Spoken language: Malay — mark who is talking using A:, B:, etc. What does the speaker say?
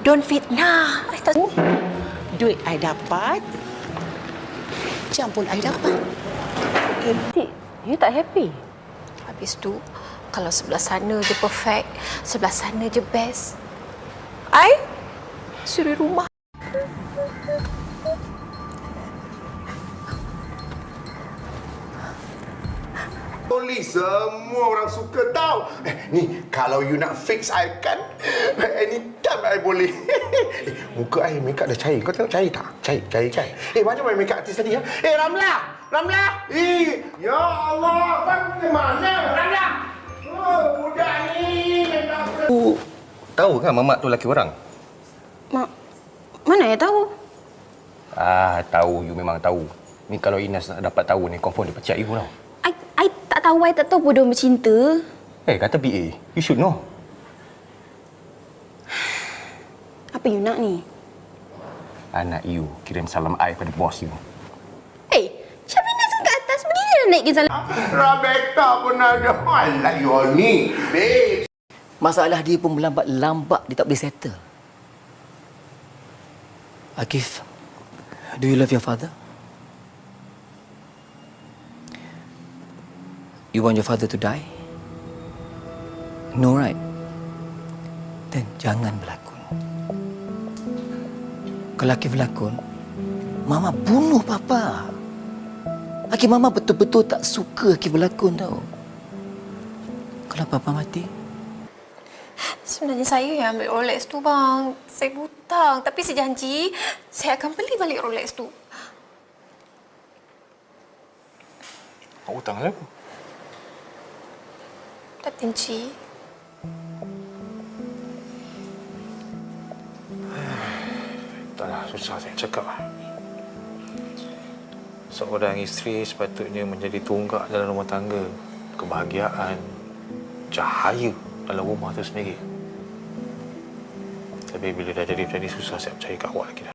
A: Don't fitnah. Duit I dapat. Jam pun I dapat.
B: Tik, you tak happy?
C: Habis tu, kalau sebelah sana je perfect, sebelah sana je best. I suri rumah.
D: Polis semua orang suka tahu. Ni kalau you nak fix I kan, anytime I boleh. Muka I make up dah cair. Kau tengok cair tak? Cair kan? Macam mana make up artis tadi ya? Ramla! Ya Allah, abang ke mana? Ramla! Oh, budak ni memang
E: Tahu kan mamak tu lelaki orang?
B: Mak, mana ya tahu?
E: Tahu. You memang tahu. Ni kalau Ines dapat tahu ni, confirm dia pecat you tau.
B: I tak tahu bodoh bercinta.
E: Kata BA. You should know.
B: Apa you nak ni?
E: Anak you kirim salam I pada bos you.
B: Syabina kat atas berdiri dah naik ke salam.
D: Rebecca pun ada. Alah, you ni, babe.
F: Masalah dia pun lambat dia tak boleh settle. Akif, do you love your father? You want your father to die? No, right? Then jangan berlakon. Kalau Akif berlakon, Mama bunuh Papa. Akif, Mama betul-betul tak suka Akif berlakon tau. Kalau Papa mati,
C: Sebenarnya saya yang ambil Rolex tu, bang. Saya hutang. Tapi saya janji, saya akan beli balik Rolex tu.
E: Hutang lah.
C: Datin Cik.
G: Taklah, susah saya cakap. Seorang isteri sepatutnya menjadi tonggak dalam rumah tangga. Kebahagiaan, cahaya dalam rumah tu sendiri. Tapi bila dah jadi macam ni, susah saya percaya kat awak lagi dah.